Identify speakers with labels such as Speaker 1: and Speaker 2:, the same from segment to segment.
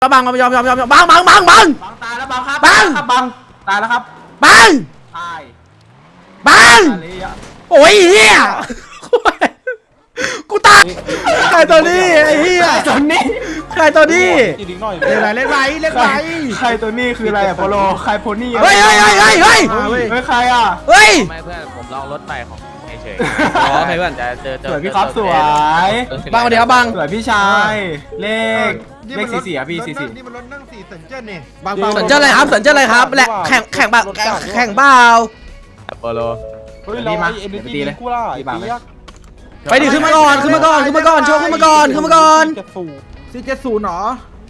Speaker 1: บังยอมบังตายแล้วบังครับบังตายแล้วครับบังตายบังโอ้ยเฮียกูตายใครตัวนี้ไอ้เฮียใครตัวนี้เล่นไร
Speaker 2: ใครตัวนี้คืออะไรอะโปโลใครโพนี่
Speaker 1: เฮ้ย
Speaker 2: ใครอะ
Speaker 1: เฮ้ย
Speaker 3: ไม่เพื่อนผมลองรถไปของเฉย
Speaker 1: อ๋อใครเพื่อน
Speaker 3: จะเจอ
Speaker 2: สวยพี่ครับสวย
Speaker 1: บังเดี๋ยวบัง
Speaker 2: สวยพี่ชายเลข44อะพี่44
Speaker 4: นี่มันรถนั่ง4สัญเจนนี่
Speaker 1: สัญเจออะไรครับสัญเจออะไรครับและแข่งบ้าแข่งบ้า
Speaker 3: โปโล
Speaker 2: เฮ้ยเราเอ็นดีเลยกูล่ะไอ้บ้า
Speaker 1: ไปดิขึ้นมาก่อนโชว์ขึ้นมาก่อน
Speaker 4: 470หรอ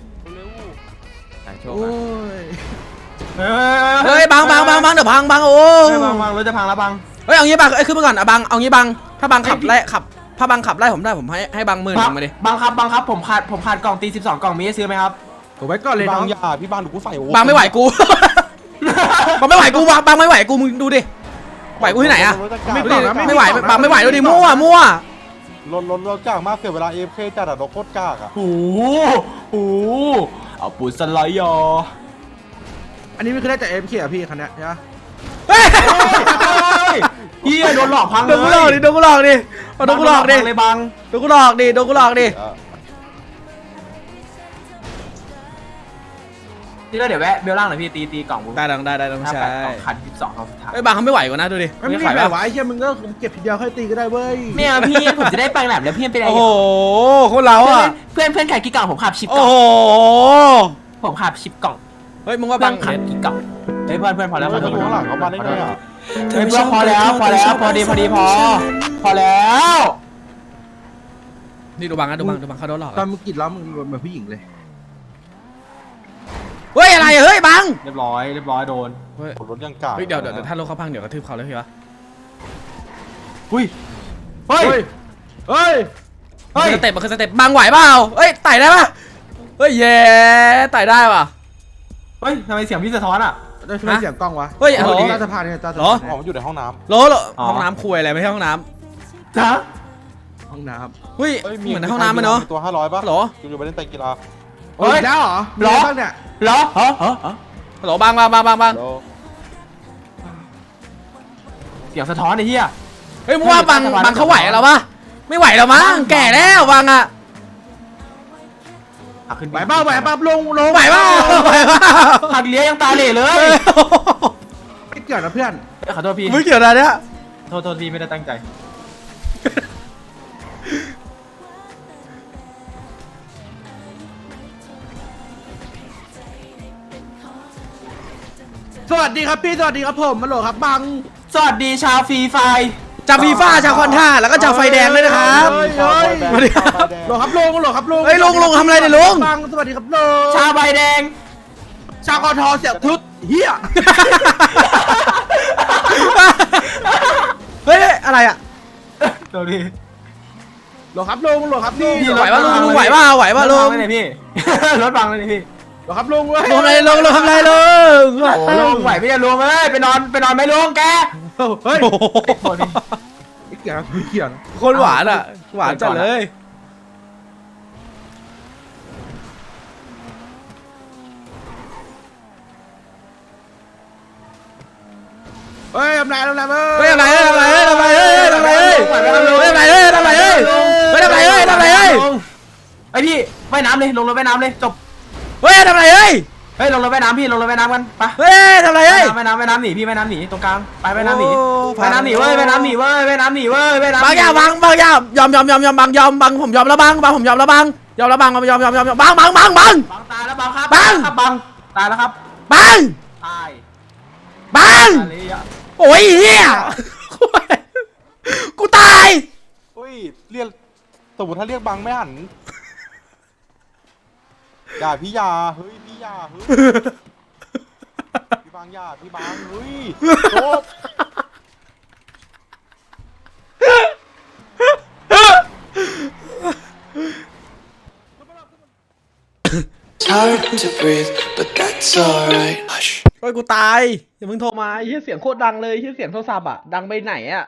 Speaker 3: โชว์
Speaker 4: โอ้ย
Speaker 1: เฮ้ยบังเดี๋ยวบังโอ้
Speaker 2: บังรถจะพังแล้วบัง
Speaker 1: เฮ้ยเอางี้บังขึ้นมาก่อนอ่ะบังเอางี้บังถ้าบังขับไล่ถ้าบังขับไล่ผมได้ผมให้บัง10,000มาดิ
Speaker 2: บังครับผมขาดกล่องตี12กล่องมีให้ซื้อไหมครับ
Speaker 4: ผมไว้ก่อนเลยน้อง
Speaker 2: อย่าพี่บังดูกูใส่
Speaker 1: บังไม่ไหวกูบังไม่ไหวกูบังไม่ไหวกูมึงดูดิไหวกูที่ไหนอะไม่ไหวบังไม่ไหวดูดิมั่ว
Speaker 5: รถกากมากเสียเวลาเอฟเคจัดอะรถโคตรกากอะ
Speaker 2: โอ้โหเอาปูสไลด์ยอ
Speaker 4: อันนี้ไม่คือได้จากเอ็มเคพี่คันนี้ใช่ไหม
Speaker 1: เฮ้ย
Speaker 2: เฮียโดนหลอกพังเลย
Speaker 1: โดนกูหลอกดิเลยบังโดนกูหลอกดิ
Speaker 2: นี่แล้วเดี๋ยวแวะเบลล่างหน่อยพี่ตีกล่อง
Speaker 1: ได้ต้องใช้
Speaker 2: ขัน12เขาสุดท้าย
Speaker 1: ไอ้บังเขาไม่ไหวกว่านะดูดิ
Speaker 4: ไม่ไหวไอ้เชี่ยมึงก็เก็บทีเดียวค่อยตีก็ได้เว้ย
Speaker 2: เนี่ยพี่ผมจะได้ไปแหลมแล้วพี่เป็นอะไร
Speaker 1: โอ้โหคนเราอะ
Speaker 2: เพื่อนขายกี่กล่องผมขับ10กล่อง
Speaker 1: โอ้โห
Speaker 2: ผมขับ10กล่อง
Speaker 1: เฮ้ยมึงว่าบัง
Speaker 2: ขับกี่กล่องเฮ้ยเพื่อนพอแล้ว
Speaker 5: ข้างหลังเขามาได้ไงอะ
Speaker 2: เฮ้ยเพื่อนพอแล้วพอแล้ว
Speaker 1: นี่ดูบังเขาโดนหลอก
Speaker 4: ตอนมึงกินแล้วมึงเหมือนผู้หญิงเลย
Speaker 1: เฮ้ยอะไรเฮ้ยบัง
Speaker 2: เรียบร้อยโดน
Speaker 5: รถยังกาก
Speaker 1: เดี๋ยวถ้ารถเขาพังเดี๋ยวกระทืบเขาเลยพี่วะ
Speaker 2: เฮ้ย
Speaker 1: สเต็ปมันคือสเต็ปบังไหวเปล่าเฮ้ยไต่ได้ป่ะเฮ้ยเย่ไต่ได้ป่ะ
Speaker 2: เฮ้ยทำไมเสียงพี่สะท้อนอ่ะ
Speaker 4: ได้ช่วยเสียงกล้องวะ
Speaker 1: เฮ้ย
Speaker 4: ใต้สะพานเนี่ยใต้สะพาน
Speaker 5: อ๋อมันอยู่ในห้องน้
Speaker 1: ำห้องน้ำคุยอะไรไม่ใช่ห้องน้
Speaker 2: ำจ้า
Speaker 4: ห้องน้
Speaker 1: ำเฮ้ยเหมือนในห้องน้ำมันเนาะ
Speaker 5: ตัว500ป่ะ
Speaker 1: หรอ
Speaker 5: อยู่ไปเล่นไตกีฬา
Speaker 4: เฮ้ยแล้วเหรอบ้างเนี่ย
Speaker 1: หรอบัง
Speaker 2: เสียงสะท้อนไอ้เหี้ย
Speaker 1: เฮ้ยมึงว่าบังเขาไหวเราปะไม่ไหวแล้วมั้งแก่แล้วบังอะ
Speaker 4: ไหวบ้าลง
Speaker 1: ไหวบ้า
Speaker 2: หักเลี้ยยังตาเหล่เลย
Speaker 4: ไม่เกี่ยวนะเพื่อน
Speaker 2: ขอโทษพี่
Speaker 1: ไม่เกี่ยวนะเนี่ย
Speaker 2: โทษพี่ไม่ได้ตั้งใจ
Speaker 4: สวัสดีครับพี่สวัสดีครับผมมาโหลครับบัง
Speaker 2: สวัสดีชาวฟรีไฟ
Speaker 1: ชาวฟีฟ่าชาวคอนท่าแล้วก็ชาวไฟแดงเลยนะครับสวัสดีครับ
Speaker 4: โหลครับลุง
Speaker 1: เฮ้ยลุงทำอะไรเนี่ยลุง
Speaker 4: บังสวัสดีครับลุง
Speaker 2: ชาวใบแดง
Speaker 4: ชาวกทเสียบทุดเฮีย
Speaker 1: เฮ้ยอะไรอ่ะ
Speaker 2: ตัวนี้
Speaker 4: โหลครับลุงพี่
Speaker 1: ไหวป่ะลุงไหวป่ะลุง
Speaker 2: ไม่พี่รถบังเลยพี่
Speaker 4: โหลครับลุงเว้ย
Speaker 1: ลุงทำอะไรลุง
Speaker 2: ลุงไหวไม่จะลุงเอ้ยไปนอนไม่ลุงแก
Speaker 4: เฮ้ยเกี่ยง
Speaker 1: คนหวานอ่ะหวานจัดเลย
Speaker 4: เฮ้ยทำไร
Speaker 2: ไอพี่ว่ายน้ำเลยลงรถว่ายน้ำเลยจบ
Speaker 1: เฮ้ยทำไรเฮ้ย
Speaker 2: ลงรถว่ายน้ำพี่ลงรถว่ายน้ำกันไป
Speaker 1: เฮ้ยทำไรเฮ้ย
Speaker 2: ว่ายน้ำหนีพี่ว่ายน้ำหนีตรงกลางไปว่ายน้ำหนีเว้ยบางย
Speaker 1: อมผมยอมแล้วบังผมยอมแล้วบังตายแล้วบังครับ
Speaker 2: ตายแล้วครับตาย
Speaker 1: โอ้ยเฮียกูตาย
Speaker 5: เฮ้ยเรียกสมมติถ้าเรียกบังไม่หันอย่าพี่ยาเฮ้ยพี่บังอย่าพี่บังเฮ้ยจบ
Speaker 1: เฮ้ยกูตายอย่ามึงโทรมาไอ้เสียงโคตรดังเลยเสียงโทรศัพท์อ่ะดังไปไหนอ่ะ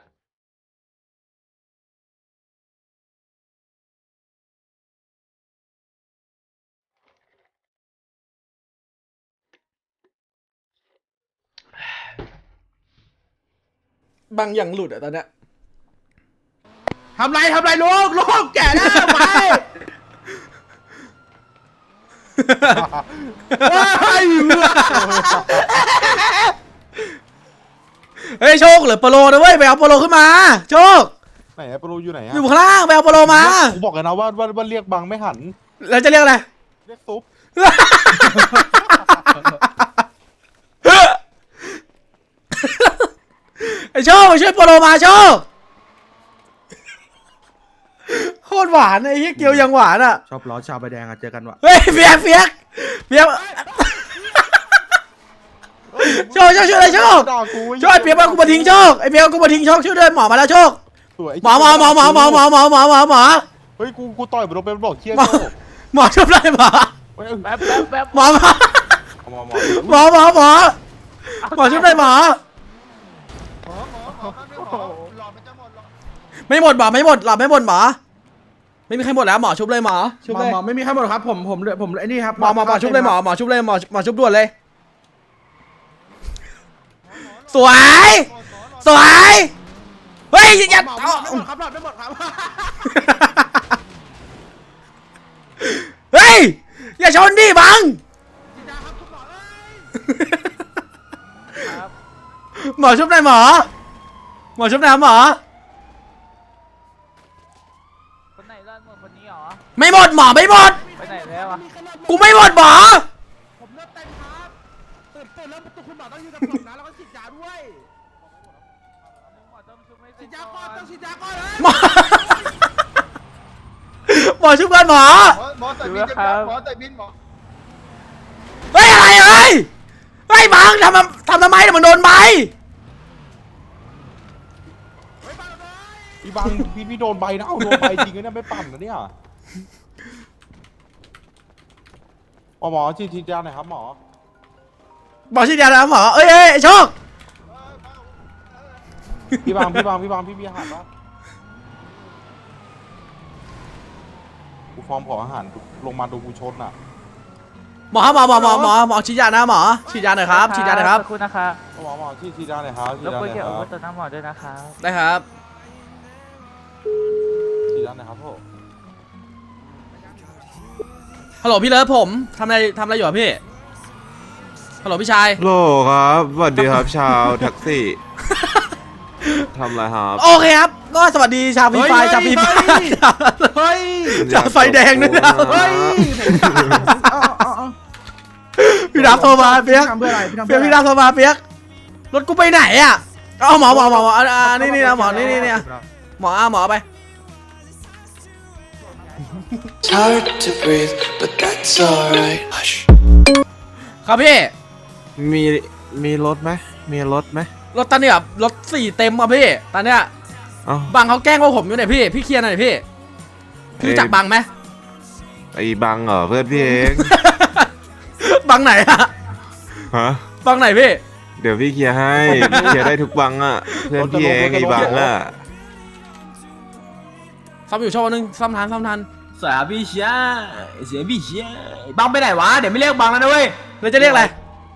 Speaker 1: บางอย่างหลุดอะตอนเนี้ย
Speaker 4: ทำไรลูกแก่แล้วไป
Speaker 1: เฮ้ยโชคเหลือโปโลนะเว้ยไปเอาโปโลขึ้นมาโชค
Speaker 5: ไหนอะโปรอยู่ไหนอะ
Speaker 1: อยู่ข้างล่างไปเอาโปโลมา
Speaker 5: กูบอกเลยนะว่าเรียกบังไม่หัน
Speaker 1: แล้วจะเรียกอะไร
Speaker 5: เรียกซุป
Speaker 1: ไอโชคช่วยโปโลมาโชคโคตรหวานไอ้เหี้ยเกียวยังหวานอ่ะ
Speaker 4: ชอบล้อชาวใบแดงอะเจอกันว่ะ
Speaker 1: เฮ้ยเฟียกโชคช่วยเลยโชค
Speaker 5: ด่ากู
Speaker 1: ช่วยเปียกเอากูมาทิ้งโชคไอเปียกเอากูมาทิ้งโชคช่วยด้วยหมอมาแล้วโชค
Speaker 5: สวย
Speaker 1: หมอ
Speaker 5: เฮ้ยกูต่อยมันลงไปมันบอกเชี่ย
Speaker 1: หมอ
Speaker 5: โจ้
Speaker 1: หมอช่วยได้หมอ
Speaker 5: เฮ้ย
Speaker 3: แป๊บ
Speaker 1: หมอช่วยได้หมอไม่หมดหมอไม่หมดหลอดไม่หมดหมอไม่มีใครหมดแล้วหมอชุบเลยหมอชุบเลย
Speaker 4: หมอไม่มีใครหมดครับผมไอ้นี่ครับ
Speaker 1: หมอชุบเลยหมอชุบเลยหมอชุบด่วนเลยสวยเฮ้ยอย่า
Speaker 4: หมอไม่หมดครับไม่หมดครับ
Speaker 1: เฮ้ยอย่าชนดิบังหมอชุบได้หมอชุบได้หมอ
Speaker 3: คนไหนร่อนหมดคนนี้เหรอ
Speaker 1: ไม่หมดหมอไม่หมด
Speaker 3: ไปไหนแล้วอ่ะ
Speaker 1: กูไม่หมดหมอ
Speaker 4: ผมเลือดเต็มครับตื่นแล้วคุณหมอต้องยืนกับผมนะแล้วก็ฉีดยาด้วยฉีดยาก่อนต้องฉีดยาก่อนเลย
Speaker 1: หมอหมอชุบกันหมอ
Speaker 5: หมอใส่บินหมอใส่บินหมอ
Speaker 1: เฮ้ยอะไรเฮ้ยบังทำทำไมเนี่ยมันโดนใบ
Speaker 5: พี่บังพี่โดนใบนะเอาโดนใบจริงนะไม่ปั่นนะเนี่ยหมอฉีดยาหน่อยครับหมอ
Speaker 1: หมอชี้ยาแล้วหมอเอ้ยโชค
Speaker 5: พี่บังพี่อาหารปะกูฟอร์มขออาหารลงมาดูกูชนอ่ะ
Speaker 1: หมอชี้ยานะหมอชี้ยาหน่อยครับชี้ยาหน่อยครับ
Speaker 3: ขอบคุณนะคะ
Speaker 5: หมอฉีดยาหน่อยครับฉี
Speaker 3: ร
Speaker 5: ด
Speaker 3: บ
Speaker 5: ยาก
Speaker 3: วน
Speaker 5: หน่อย
Speaker 3: เกี่ยว
Speaker 5: ค
Speaker 3: กับ
Speaker 5: รับ
Speaker 3: ตัวน้ำหมอด้วยนะคะ
Speaker 1: ได้ครับ
Speaker 5: ฉีดยาหน่อยครับพ่อ
Speaker 1: ฮัลโหลพี่เลิฟผมทำอะไรอยู่อะพี่ฮัลโหลพี่ชาย
Speaker 6: โหลครับสวัสดีครับชาวแท็กซี่ ทำอะไรครับ
Speaker 1: โอเคครับก็สวัสดีชาวฟรีไฟชาวฟรีไฟ
Speaker 4: เฮ้ย
Speaker 1: ชาวไฟแดงด้วยนะ
Speaker 4: เฮ้ย
Speaker 1: พี่ดับโทรมาเปียก
Speaker 4: ทำเพื่ออะไรพี่ทำ
Speaker 1: เปียกพี่ดับโทรมาเปียกรถกูไปไหนอะเอาหมอนี่นะหมอนี่หมอไป
Speaker 7: It's hard to breathe, but that's alright. Hush.
Speaker 1: ครับพี่
Speaker 6: มีรถไหมมีรถไหม
Speaker 1: รถตอนนี้แบบรถ4เต็มอ่ะพี่ตอนเนี้ย
Speaker 6: เอ้า
Speaker 1: บังเขาแกล้งว่าผมอยู่ไหนพี่เคลียร์หน่อยพี่รู้จักบังไหม
Speaker 6: ไอ้บังเหรอเพื่อนพี่เอง
Speaker 1: บังไหนอะ
Speaker 6: ฮะ
Speaker 1: บังไหนพี่
Speaker 6: เดี๋ยวพี่เคลียร์ให้เคลียร์ได้ทุกบังอ่ะเพื่อนพี่เองไอ้บังอ่ะ
Speaker 1: ซ่อมอยู่ช่วงนึงซ่อมทัน
Speaker 2: สวยพี่เชียเสียพี่เชียบังไปไหนวะเดี๋ยวไม่เรียกบังแล้วนะเว้ย
Speaker 1: เลยจะเรียกอะไร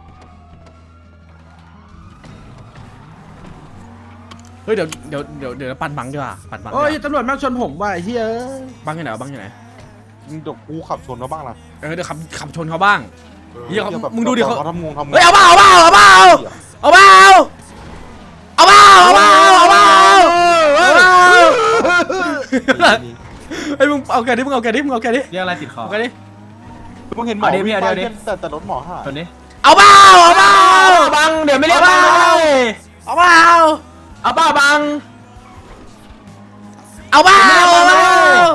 Speaker 1: เฮ้ยเดี๋ยวปั่นบังดีกว่าปั่นบังดีก
Speaker 4: โอ้ย
Speaker 1: ว่า
Speaker 4: ตำรวจมาชนผมว่ะไอ้เฮ้ย
Speaker 1: บังอยู่ไหนวะบังอยู่ไหน
Speaker 5: เดี๋ยวกูขับชนเขาบ้างนะ
Speaker 1: เดี๋ยวขับชนเขาบ้าง เหี้ยเขา
Speaker 5: แบบ
Speaker 1: มึงดูดิเขา
Speaker 5: ทำงง
Speaker 1: เฮ้ยเอาเปล่าเฮ้ยมึงเอาแกดิ
Speaker 2: เรียกอะไรติดคอ
Speaker 1: เอาแกดิ
Speaker 5: มึงเห็นหมอ
Speaker 2: เอาดิพี่
Speaker 5: วิ่ง
Speaker 2: เอา
Speaker 5: ไป
Speaker 2: ดิ
Speaker 5: แต่รถหมอหาย
Speaker 2: คนนี้
Speaker 1: เอาเปล่า
Speaker 2: บังเดี๋ยวไม่เรียกบังเลย
Speaker 1: เอาเปล่า
Speaker 2: เอาเปล่าบัง
Speaker 1: เอาเปล่า
Speaker 5: เปล่า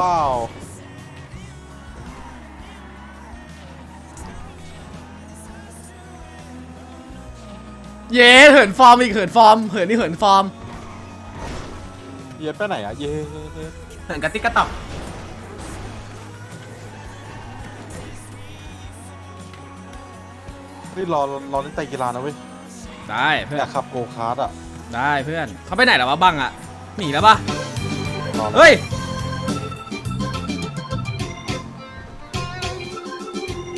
Speaker 1: เย้เหินฟอร์มอีกเหินฟอร์ม
Speaker 5: เย็ดไปไหนอ่ะเย้
Speaker 2: เหินกระติกกระตอก
Speaker 5: นี่รอเล่นไตรกีฬานะเว้ย
Speaker 1: ได้เพื่อ
Speaker 5: อน ยากขับโกคาร์ดอ่ะ
Speaker 1: ได้เพื่อนเขาไปไหนแล้ววะบังอ่ะหนีแล้วปะ
Speaker 5: รอ
Speaker 1: เฮ้ย